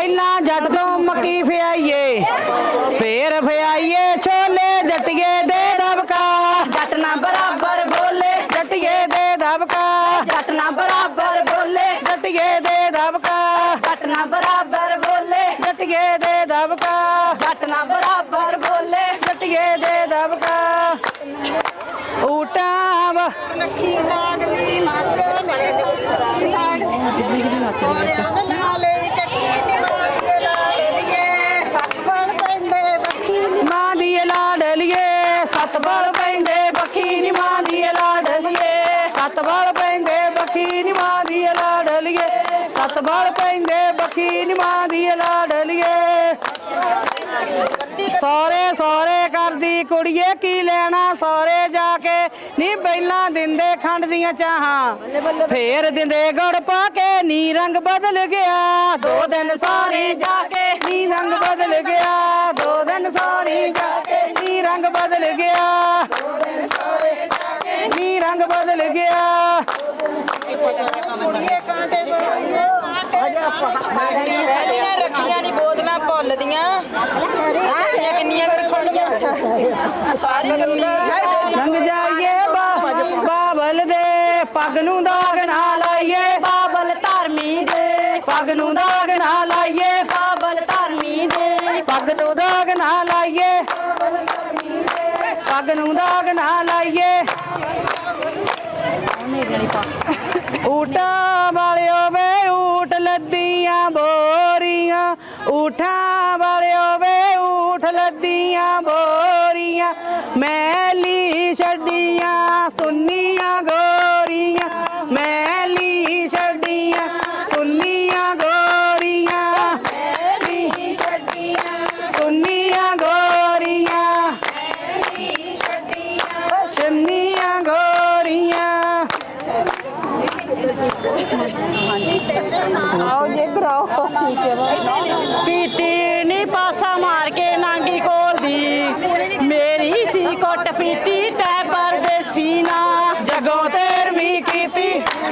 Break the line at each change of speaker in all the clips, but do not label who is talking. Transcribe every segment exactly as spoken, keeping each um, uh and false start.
ਪਹਿਲਾਂ ਜੱਟ ਤੋਂ ਮੱਕੀ ਫਿਆਈਏ ਫੇਰ ਫਿਆਈਏ ਛੋਲੇ ਜੱਟੀਏ ਦੇ ਦਬਕਾ
ਜੱਟ ਨਾ ਬਰਾਬਰ ਬੋਲੇ
ਜੱਟੀਏ ਦੇ ਦਬਕਾ
ਜੱਟ ਨਾ ਬਰਾਬਰ ਬੋਲੇ
ਜੱਟੀਏ ਦੇ ਦਬਕਾ
ਜੱਟ ਨਾ ਬਰਾਬਰ ਬੋਲੇ
ਜੱਟੀਏ ਦੇ ਦਬਕਾ
ਜੱਟ ਨਾ ਬਰਾਬਰ ਬੋਲੇ
ਜੱਟੀਏ ਦੇ ਦਬਕਾ ਊਟਾਂ ਵਾ
ਲੱਖੀ ਲਾਡਲੀ ਮਾਤੋ ਲਾਡਲੀ ਨਾਲੇ ਚੱਕੀ ਨਿਵਾਲੇ ਲਾਡਲੀਏ ਸੱਪਣ ਪੈਂਦੇ ਬੱਖੀ
ਮਾਂ ਦੀ ਲਾਡਲੀਏ ਸੱਤ ਬਲ ਪੈਂਦੇ ਬੱਖੀ ਨੀ ਮਾਂ ਦੀ ਲਾਡਲੀਏ ਸੱਤ ਬਲ ਪੈਂਦੇ ਬੱਖੀ ਨੀ ਮਾਂ ਦੀ ਲਾਡਲੀਏ ਸੱਤ ਬਲ ਪੈਂਦੇ ਬੱਖੀ ਨੀ ਮਾਂ ਦੀ ਲਾਡਲੀਏ ਸੋਰੇ ਸੋਰੇ ਕਰਦੀ ਕੁੜੀਏ ਕੀ ਲੈਣਾ ਸੋਰੇ ਜਾ ਕੇ ਨੀ ਪਹਿਲਾਂ ਦਿੰਦੇ ਖੰਡ ਦੀਆਂ ਚਾਹਾਂ ਫੇਰ ਦਿੰਦੇ ਗੁੜ ਪਾ ਕੇ ਨੀ ਰੰਗ ਬਦਲ ਗਿਆ ਦੋ ਦਿਨ ਸੋਰੇ ਜਾ ਕੇ ਨੀ ਰੰਗ ਬਦਲ ਗਿਆ ਦੋ ਦਿਨ ਸੋਰੇ ਜਾ ਕੇ ਨੀ ਰੰਗ ਬਦਲ ਗਿਆ ਦੋ ਦਿਨ ਸੋਰੇ ਜਾ ਕੇ ਨੀ ਰੰਗ ਬਦਲ ਗਿਆ
ਕੁੜੀਏ ਕਾਂਟੇ ਬੋਲੀਏ ਅਜੇ ਆਪਾਂ
ਰੱਖੀਆਂ ਨਹੀਂ ਬੋਤਲਾਂ ਭੁੱਲਦੀਆਂ ਕਿੰਨੀਆਂ ਰੱਖਣੀਆਂ
ਰੰਗ ਜਾਈਏ ਬਾਬਲ ਦੇ ਪੱਗ ਨੂੰ ਦਾਗ ਨਾ ਲਾਈਏ
ਬਾਬਲ ਧਰਮੀ ਦੇ
ਪੱਗ ਨੂੰ ਦਾਗ ਨਾ ਲਾਈਏ
ਬਾਬਲ ਧਰਮੀ ਦੇ
ਪੱਗ ਨੂੰ ਦਾਗ ਨਾ ਲਾਈਏ ਪੱਗ ਨੂੰ ਦਾਗ ਨਾ ਲਾਈਏ ਊਟਾਂ ਵਾਲਿਓ ਵੇ ਊਟ ਲੱਦੀਆਂ ਬੋਰੀਆਂ ਊਠਾਂ ਵਾਲਿਓ ਵੇ ਊਠ ਲੱਦੀਆਂ ਬੋਰੀਆਂ ਮੈਲੀ ਛੱਡੀਆਂ ਸੁੰਨੀਆਂ ਗੋਰੀਆਂ ਮੈਲੀ ਛੱਡੀਆਂ ਸੁੰਨੀਆਂ ਗੋਰੀਆਂ ਮੈਲੀ ਛੱਡੀਆਂ ਸੁੰਨੀਆਂ ਗੋਰੀਆਂ ਮੈਲੀ ਛੱਡੀਆਂ ਸੁੰਨੀਆਂ ਗੋਰੀਆਂ
ਆਓ ਜੀ ਇੱਧਰ ਆਓ ਠੀਕ ਹੈ
ਪੀਟੀ ਨੀ ਪਾਸਾ ਮਾਰ ਕੇ ਨਾਂਗੀ ਕੋਲ ਦੀ ਮੇਰੀ ਸੀ ਕੁੱਟ ਪੀਤੀ ਤੈ ਪਰਦੇਸੀ ਨਾ
ਜਗੋ ਤੇਰਵੀਂ ਕੀਤੀ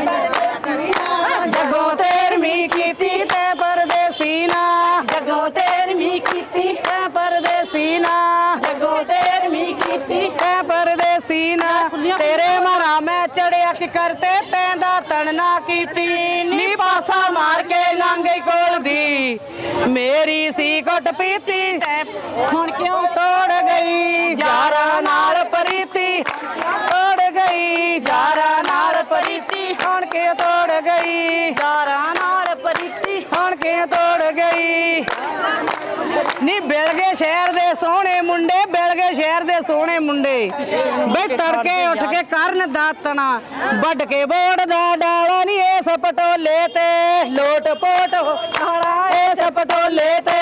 ਜਗੋ ਤੇਰਵੀਂ ਕੀਤੀ ਤੇ ਪਰਦੇਸੀ ਨਾ
ਜਗੋ ਤੇਰਵੀਂ ਕੀਤੀ
ਤੇ ਪਰਦੇਸੀ ਨਾ
ਜਗੋ ਤੇਰਵੀਂ ਕੀਤੀ
ਤੇ ਪਰਦੇਸੀ ਨਾ ਤੇਰੇ ਮਾਰਾ ਮੈਂ ਚੜਿਆ ਕਿ ਕਰਤੇ ਤੈਂਦਾ ਤਣਨਾ ਕੀਤੀ ਨੀ ਪਾਸਾ ਮਾਰ ਕੇ ਲਾਂਗੇ ਕੋਲ ਦੀ ਮੇਰੀ ਸੀ ਕੁੱਟ ਪੀਤੀ ਹੁਣ ਕਿਉਂ ਤੋੜ ਗਈ ਯਾਰਾਂ ਨਾਲ ਪ੍ਰੀਤੀ ਤੋੜ ਗਈ ਯਾਰਾਂ ਨਾਲ ਪ੍ਰੀਤੀ ਹੁਣ ਕਿਉਂ ਤੋੜ ਗਈ
ਯਾਰਾਂ ਨਾਲ ਪ੍ਰੀਤੀ
ਹੁਣ ਕਿਉਂ ਤੋੜ ਗਈ ਨੀ ਬਿਲਗੇ ਸ਼ਹਿਰ ਦੇ ਸੋਹਣੇ ਮੁੰਡੇ ਬਿਲਗੇ ਸ਼ਹਿਰ ਦੇ ਸੋਹਣੇ ਮੁੰਡੇ ਬਈ ਤੜਕੇ ਉੱਠ ਕੇ ਕਰਨ ਦਾਤਣਾ ਵੱਢ ਕੇ ਬੋੜ ਦਾ ਡਾਲਾ ਨੀ ਇਸ ਪਟੋਲੇ ਤੇ ਲੋਟ ਪੋਟ ਖਾਣਾ ਇਸ ਪਟੋਲੇ ਤੇ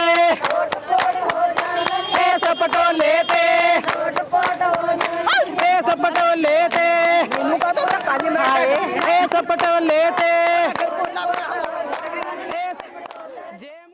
ਇਸ ਪਟੋਲੇ ਤੇ ਇਸ ਪਟੋਲੇ ਤੇ
ਮੈਨੂੰ ਕਹਤੋ ਧੱਕਾ ਜੀ ਮੈਂ
ਇਸ ਪਟੋਲੇ ਤੇ